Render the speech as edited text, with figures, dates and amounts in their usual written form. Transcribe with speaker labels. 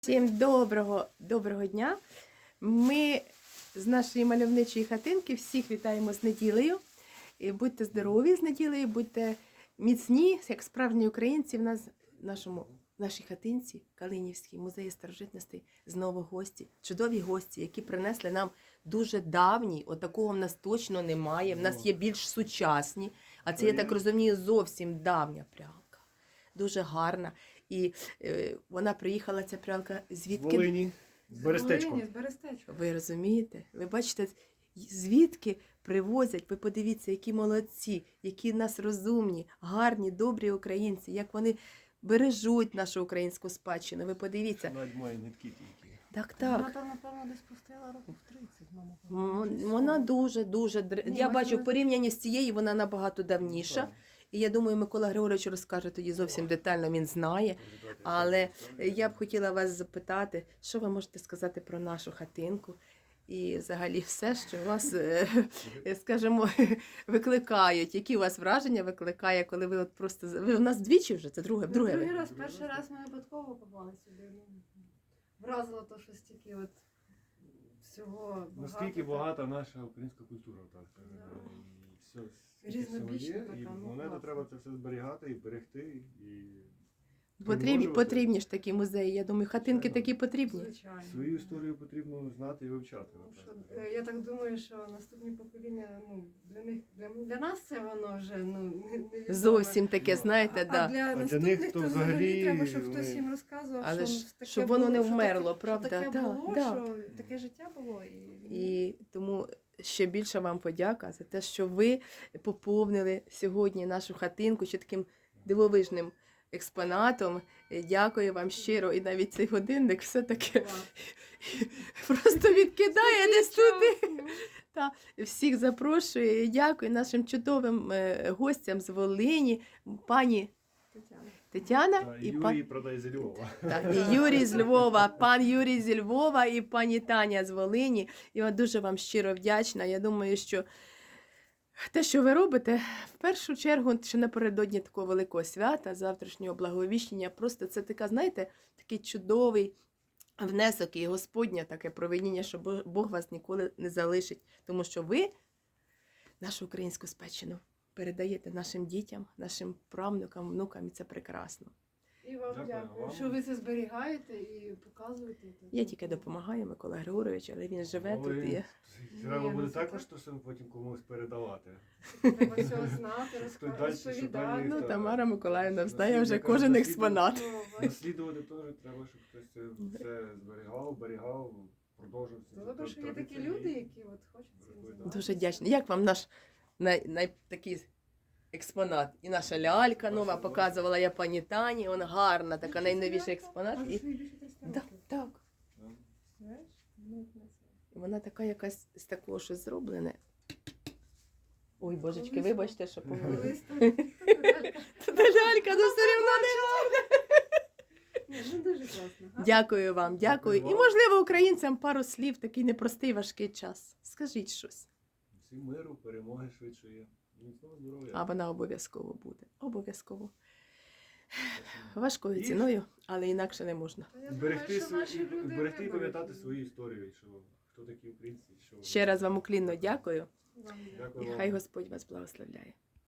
Speaker 1: Всім доброго дня! Ми з нашої мальовничої хатинки всіх вітаємо з неділею. І будьте здорові з неділею, будьте міцні, як справжні українці. В нас в нашій хатинці Калинівській музеї старожитностей знову гості, чудові гості, які принесли нам дуже давні, отакого в нас точно немає, в нас є більш сучасні, а це, я так розумію, зовсім давня прялка. Дуже гарна. І вона приїхала, ця прялка, звідки?
Speaker 2: З Волині, з Берестечка.
Speaker 1: Ви розумієте? Ви бачите, звідки привозять, ви подивіться, які молодці, які в нас розумні, гарні, добрі українці, як вони бережуть нашу українську спадщину. Ви подивіться.
Speaker 2: Навіть має нитки тільки.
Speaker 1: Так.
Speaker 3: Вона там, напевно, десь пустила років 30,
Speaker 1: Вона дуже. Я бачу, в порівнянні з цією вона набагато давніша. І я думаю, Микола Григорович розкаже тоді зовсім детально, він знає. Але я б хотіла вас запитати, що ви можете сказати про нашу хатинку і взагалі все, що вас, скажімо, викликають. Які у вас враження викликає, коли ви от просто... Ви у нас двічі вже? Це друге?
Speaker 3: Другий раз. Перший раз ми випадково попали сюди. Вразило то, що стільки от всього
Speaker 2: Наскільки багата наша українська культура, так.
Speaker 3: Да.
Speaker 2: І все
Speaker 3: Різнобічна
Speaker 2: є,
Speaker 3: така,
Speaker 2: і
Speaker 3: ну,
Speaker 2: монета
Speaker 3: класно.
Speaker 2: треба це все зберігати і берегти. І
Speaker 1: Потрібні ж такі музеї, я думаю, хатинки такі потрібні.
Speaker 3: Звичайно.
Speaker 2: Свою історію потрібно знати і вивчати.
Speaker 3: Тому що, я так думаю, що наступні покоління, для нас це воно вже невідоме.
Speaker 1: Зовсім таке, знаєте,
Speaker 3: А
Speaker 1: да.
Speaker 3: для
Speaker 2: них,
Speaker 3: наступних
Speaker 2: то
Speaker 3: то взагалі
Speaker 2: взагалі
Speaker 3: треба, щоб хтось
Speaker 2: вони-
Speaker 3: їм розказував,
Speaker 1: Але
Speaker 3: що
Speaker 1: ж,
Speaker 3: таке
Speaker 1: щоб воно не
Speaker 3: було, що
Speaker 1: вмерло,
Speaker 3: таке,
Speaker 1: правда?
Speaker 3: Що таке
Speaker 1: Да,
Speaker 3: було,
Speaker 1: да.
Speaker 3: що таке життя було.
Speaker 1: І тому ще більше вам подяка за те, що ви поповнили сьогодні нашу хатинку ще таким дивовижним експонатом. Дякую вам щиро. І навіть цей годинник все-таки просто відкидає десь туди. Та, всіх запрошую. Дякую нашим чудовим гостям з Волині, пані Тетяна
Speaker 2: І
Speaker 1: і
Speaker 2: Юрій продай зі Львова.
Speaker 1: Так, і Юрій з Львова, пан Юрій зі Львова і пані Таня з Волині. Я дуже вам щиро вдячна. Я думаю, що те, що ви робите, в першу чергу, ще напередодні такого великого свята, завтрашнього благовіщення, просто це така, знаєте, такий чудовий внесок і Господня таке провидіння, що Бог вас ніколи не залишить. Тому що ви нашу українську спадщину передаєте нашим дітям, нашим правнукам, внукам, і це прекрасно.
Speaker 3: І вам
Speaker 2: Дякую
Speaker 3: дякую,
Speaker 2: вам.
Speaker 3: що ви це зберігаєте і показуєте.
Speaker 1: Я тільки допомагаю, Микола Григорович, але він живе тут. І...
Speaker 2: Треба
Speaker 3: Ні,
Speaker 2: буде
Speaker 3: це
Speaker 2: також
Speaker 3: так.
Speaker 2: то потім комусь передавати.
Speaker 3: Треба всього знати,
Speaker 2: Хто далі, що
Speaker 3: розповідати.
Speaker 2: далі.
Speaker 1: Ну,
Speaker 2: Так.
Speaker 1: Тамара Миколаївна знає
Speaker 2: Наслідника-
Speaker 1: вже кожен
Speaker 2: наслідника-
Speaker 1: експонат.
Speaker 2: Наслідувати теж треба, щоб хтось це все зберігав, берігав, продовжував. ці
Speaker 3: Добре, що є такі
Speaker 2: традиції.
Speaker 3: люди, які от хочуть цим займатися.
Speaker 1: Дуже вдячна. Як вам наш такий експонат? І наша лялька нова показувала я пані Тані, вона гарна, така найновіший експонат.
Speaker 3: Може,
Speaker 1: І...
Speaker 3: що їй більше 300
Speaker 1: Так,
Speaker 3: років.
Speaker 1: так.
Speaker 3: Знаєш? Ну,
Speaker 1: І вона така якась з такого щось зроблене. Ой, божечки, вибачте, що помилилась.
Speaker 3: колись тут
Speaker 1: Та лялька, ну все рівно не гарна.
Speaker 3: Ні, ну дуже класно. Гарно.
Speaker 1: Дякую вам, дякую. І, можливо, українцям пару слів, такий непростий, важкий час. Скажіть щось.
Speaker 2: Всім миру, перемоги швидшої. Міцного здоров'я.
Speaker 1: А вона обов'язково буде. Обов'язково. Важкою ціною, але інакше не можна.
Speaker 3: Та я думаю,
Speaker 2: Берегти
Speaker 3: що наші люди
Speaker 2: берегти і
Speaker 3: виберуть.
Speaker 2: пам'ятати свою історію, що хто такі українці, що
Speaker 1: Ще раз вам уклінно дякую.
Speaker 3: Вам дякую.
Speaker 2: Дякую
Speaker 1: І
Speaker 2: вам.
Speaker 1: хай Господь вас благословляє.